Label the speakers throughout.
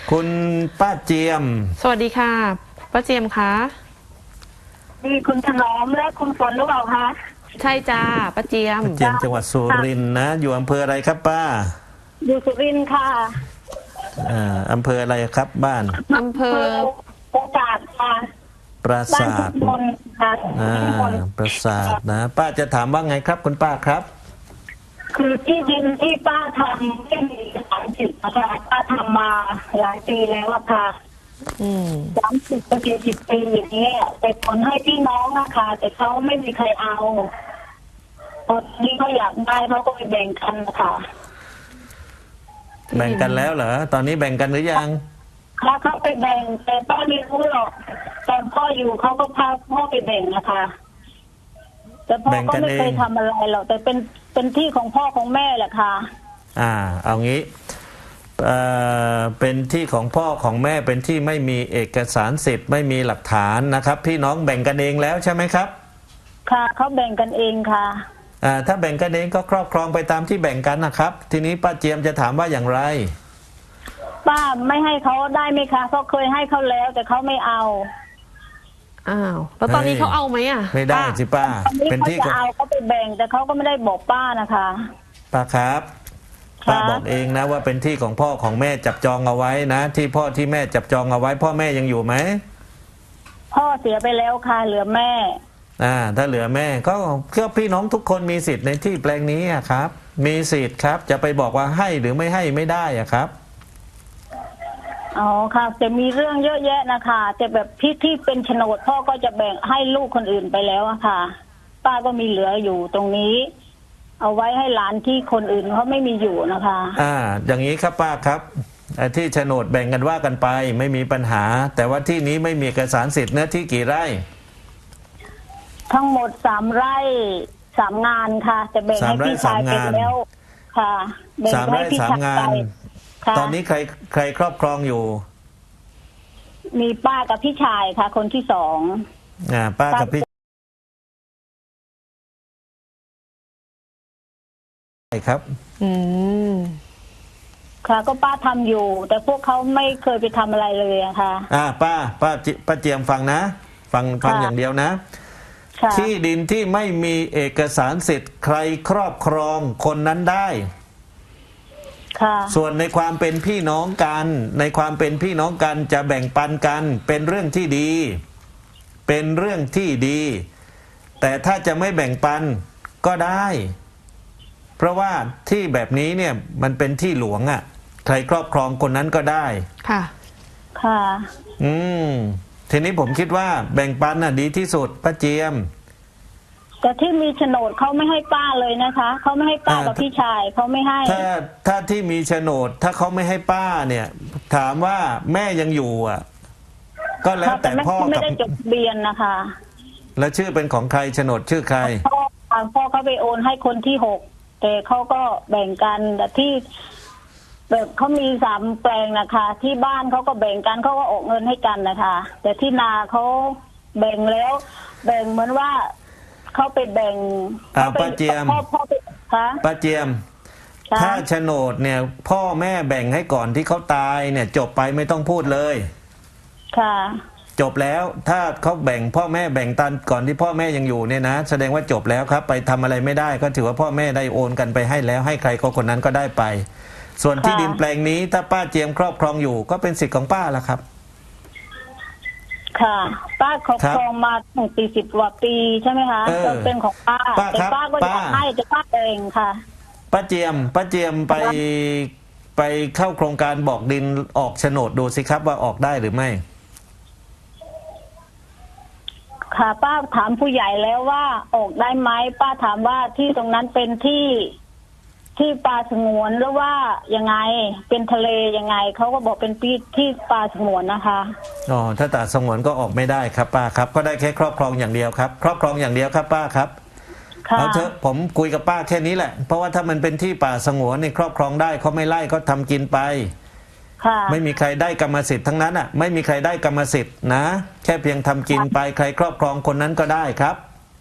Speaker 1: คุณป้าเจียม
Speaker 2: สวัสดีค่ะป้าเจียมคะ
Speaker 3: นี่คุณถนอมและคุณฝนหรือเปล่าคะ
Speaker 2: ใช่จ้าป้าเจียม
Speaker 1: ป้าเจียมจังหวัดสุรินทร์นะอยู่อำเภออะไรครับป้า
Speaker 3: อยู่สุรินทร์ค่ะ
Speaker 1: อำเภออะไรครับบ้าน
Speaker 2: อำเภอ
Speaker 3: ปราสาทค่ะ
Speaker 1: ปราสาท
Speaker 3: บ้านค่ะ
Speaker 1: ปราสาทนะป้าจะถามว่าไงครับคุณป้าครับ
Speaker 3: คือที่ดินที่ป้าทำไม่มี30นะคะป้าทำมาหลายปีแล้วอะค่ะ30 ปี 40 ปีอย่างนี้แต่ผลให้พี่น้องนะคะแต่เขาไม่มีใครเอาตอนนี้เขาอยากได้เขาก็ไปแบ่งกันนะคะ
Speaker 1: แบ่งกันแล้วเหรอตอนนี้แบ่งกันหรือยัง
Speaker 3: ค่ะเขาไปแบ่งแต่ป้าไม่รู้หรอกตอนพ่ออยู่เขาก็พาพ่อไปแบ่งนะคะแต่พ่อก็ไม่เคยทำอะไรหรอกแต่เป็นที่ของพ่อของแม่แหละค่ะ
Speaker 1: เอางี้เป็นที่ของพ่อของแม่เป็นที่ไม่มีเอกสารสิทธิ์ไม่มีหลักฐานนะครับพี่น้องแบ่งกันเองแล้วใช่ไหมครับ
Speaker 3: ค่ะเขาแบ่งกันเองค่ะ
Speaker 1: ถ้าแบ่งกันเองก็ครอบครองไปตามที่แบ่งกันนะครับทีนี้ป้าเจียมจะถามว่าอย่างไร
Speaker 3: ป้าไม่ให้เขาได้ไหมคะเพราะเคยให้เขาแล้วแต่เขาไม่เอา
Speaker 2: แล้วตอนนี้เขาเอาไหม
Speaker 1: ไม่ได้สิป้า
Speaker 3: เป็นที่เขาเอาเขาไปแบ่งแต่เขาก็ไม่ได้บอกป้านะคะ
Speaker 1: ป้าครับป้าบอกเองนะว่าเป็นที่ของพ่อของแม่จับจองเอาไว้นะที่พ่อที่แม่จับจองเอาไว้พ่อแม่ยังอยู่ไหม
Speaker 3: พ่อเสียไปแล้วค่ะเหลือแม่
Speaker 1: ถ้าเหลือแม่ก็พี่น้องทุกคนมีสิทธิ์ในที่แปลงนี้ครับมีสิทธิ์ครับจะไปบอกว่าให้หรือไม่ให้ไม่ได้ครับ
Speaker 3: อ๋อค่ะแต่มีเรื่องเยอะแยะนะคะแต่แบบที่เป็นโฉนดพ่อก็จะแบ่งให้ลูกคนอื่นไปแล้วอะค่ะป้าก็มีเหลืออยู่ตรงนี้เอาไว้ให้หลานที่คนอื่นเขาไม่มีอยู่นะคะ
Speaker 1: อย่างนี้ครับป้าครับที่โฉนดแบ่งกันว่ากันไปไม่มีปัญหาแต่ว่าที่นี้ไม่มีเอกสารสิทธิ์เนื้อที่กี่ไร่
Speaker 3: ทั้งหมด3 ไร่ 3 งานค่ะแต่แบ่งให้พี่ชายไปแล้วค่ะแบ่งให้พี่ชายไป
Speaker 1: ตอนนี้ใครครอบครองอยู่
Speaker 3: มีป้ากับพี่ชายค่ะคนที่2
Speaker 1: ป้ากับพี่ใช่ครับ
Speaker 3: ค่ะก็ป้าทำอยู่แต่พวกเขาไม่เคยไปทำอะไรเลยอะค่ะ
Speaker 1: ป้าเจียมฟังนะฟังอย่างเดียวนะที่ดินที่ไม่มีเอกสารสิทธิ์ใครครอบครองคนนั้นได้ส่วนในความเป็นพี่น้องกันในความเป็นพี่น้องกันจะแบ่งปันกันเป็นเรื่องที่ดีเป็นเรื่องที่ดีแต่ถ้าจะไม่แบ่งปันก็ได้เพราะว่าที่แบบนี้เนี่ยมันเป็นที่หลวงใครครอบครองคนนั้นก็ได้
Speaker 2: ค่ะ
Speaker 1: ทีนี้ผมคิดว่าแบ่งปันดีที่สุดป้าเจียม
Speaker 3: แต่ที่มีโฉนดเขาไม่ให้ป้าเลยนะคะเขาไม่ให้ป้ากับพี่ชายเขาไม่ให้
Speaker 1: ถ้าที่มีโฉนดถ้าเขาไม่ให้ป้าเนี่ยถามว่าแม่ยังอยู่ก็แล้วแต่พ่อกับ
Speaker 3: ไม่ได้จดทะเบียนนะคะ
Speaker 1: แล้วชื่อเป็นของใครโฉนดชื่อใคร
Speaker 3: พ่อเขาไปโอนให้คนที่6แต่เขาก็แบ่งกันแต่ที่แบบเขามี3 แปลงนะคะที่บ้านเขาก็แบ่งกันเขาก็ออกเงินให้กันนะคะแต่ที่นาเขาแบ่งแล้วแบ่งเหมือนว่าเขาไปแบ่ง
Speaker 1: ป้าเจียมป้าเจียมถ้าโฉนดเนี่ยพ่อแม่แบ่งให้ก่อนที่เขาตายเนี่ยจบไปไม่ต้องพูดเลย
Speaker 3: ค่ะ
Speaker 1: จบแล้วถ้าเขาแบ่งพ่อแม่แบ่งตันก่อนที่พ่อแม่ยังอยู่เนี่ยนะแสดงว่าจบแล้วครับไปทำอะไรไม่ได้ก็ถือว่าพ่อแม่ได้โอนกันไปให้แล้วให้ใครก็คนนั้นก็ได้ไปส่วนที่ดินแปลงนี้ถ้าป้าเจียมครอบครองอยู่ก็เป็นสิทธิ์ของป้าละครับ
Speaker 3: ค่ะป้าครอบครองมาถึง40 กว่าปีใช่ไหมคะก็เป็นของป้าแต่ป้าก็อยากให้แต่ป้าเองค่ะ
Speaker 1: ป้าเจียมไปเข้าโครงการบอกดินออกโฉนดดูสิครับว่าออกได้หรือไม่
Speaker 3: ค่ะป้าถามผู้ใหญ่แล้วว่าออกได้ไหมป้าถามว่าที่ตรงนั้นเป็นที่ป่าสงวนหรือว่ายังไงเป็นทะเลยังไงเขาก็บอกเป็นที่ป่าสงวนนะคะ
Speaker 1: ถ้าป่าสงวนก็ออกไม่ได้ครับป้าครับก็ได้แค่ครอบครองอย่างเดียวครับครอบครองอย่างเดียวครับป้าครับเอาเถอะผมคุยกับป้าแค่นี้แหละเพราะว่าถ้ามันเป็นที่ป่าสงวนนี่ครอบครองได้เขาไม่ไล่ก็ทำกินไปไม่มีใครได้กรรมสิทธิ์ทั้งนั้นไม่มีใครได้กรรมสิทธิ์นะแค่เพียงทำกินไปใครครอบครองคนนั้นก็ได้ครับ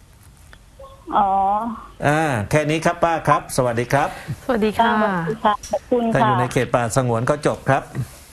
Speaker 1: แค่นี้ครับป้าครับสวัสดีครับ
Speaker 2: สวัสดีค่ะ
Speaker 3: ขอบคุณค่ะ
Speaker 1: ถ้าอยู่ในเขตป่าสงวนก็จบครับ